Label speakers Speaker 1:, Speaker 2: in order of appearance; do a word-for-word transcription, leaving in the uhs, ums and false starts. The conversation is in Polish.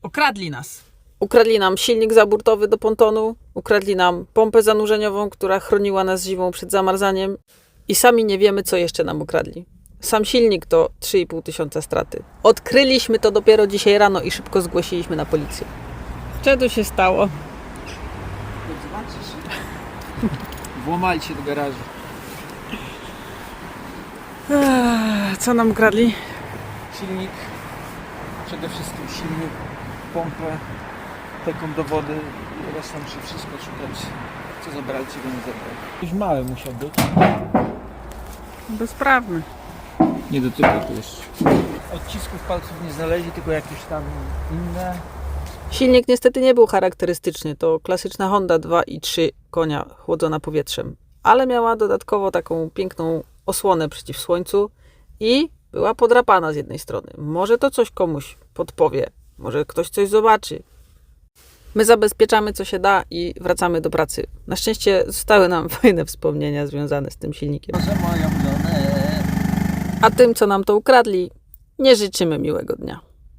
Speaker 1: Okradli nas.
Speaker 2: Ukradli nam silnik zaburtowy do pontonu, ukradli nam pompę zanurzeniową, która chroniła nas zimą przed zamarzaniem i sami nie wiemy, co jeszcze nam ukradli. Sam silnik to trzy i pół tysiąca straty. Odkryliśmy to dopiero dzisiaj rano i szybko zgłosiliśmy na policję. Co tu się stało?
Speaker 1: Zobaczysz. Włamali się do garażu.
Speaker 2: Eee, co nam ukradli?
Speaker 1: Silnik, przede wszystkim silnik, pompę, taką do wody i resztą muszę wszystko szukać. Co zabrali, czego nie zabrali. Już mały musiał być.
Speaker 2: Bezprawny.
Speaker 1: Nie dotyka to jeszcze. Odcisków palców nie znaleźli, tylko jakieś tam inne.
Speaker 2: Silnik niestety nie był charakterystyczny. To klasyczna Honda dwa i trzy konia chłodzona powietrzem. Ale miała dodatkowo taką piękną osłonę przeciw słońcu i była podrapana z jednej strony. Może to coś komuś podpowie. Może ktoś coś zobaczy. My zabezpieczamy co się da i wracamy do pracy. Na szczęście zostały nam fajne wspomnienia związane z tym silnikiem.
Speaker 1: Proszę moją żonę.
Speaker 2: A tym, co nam to ukradli, nie życzymy miłego dnia.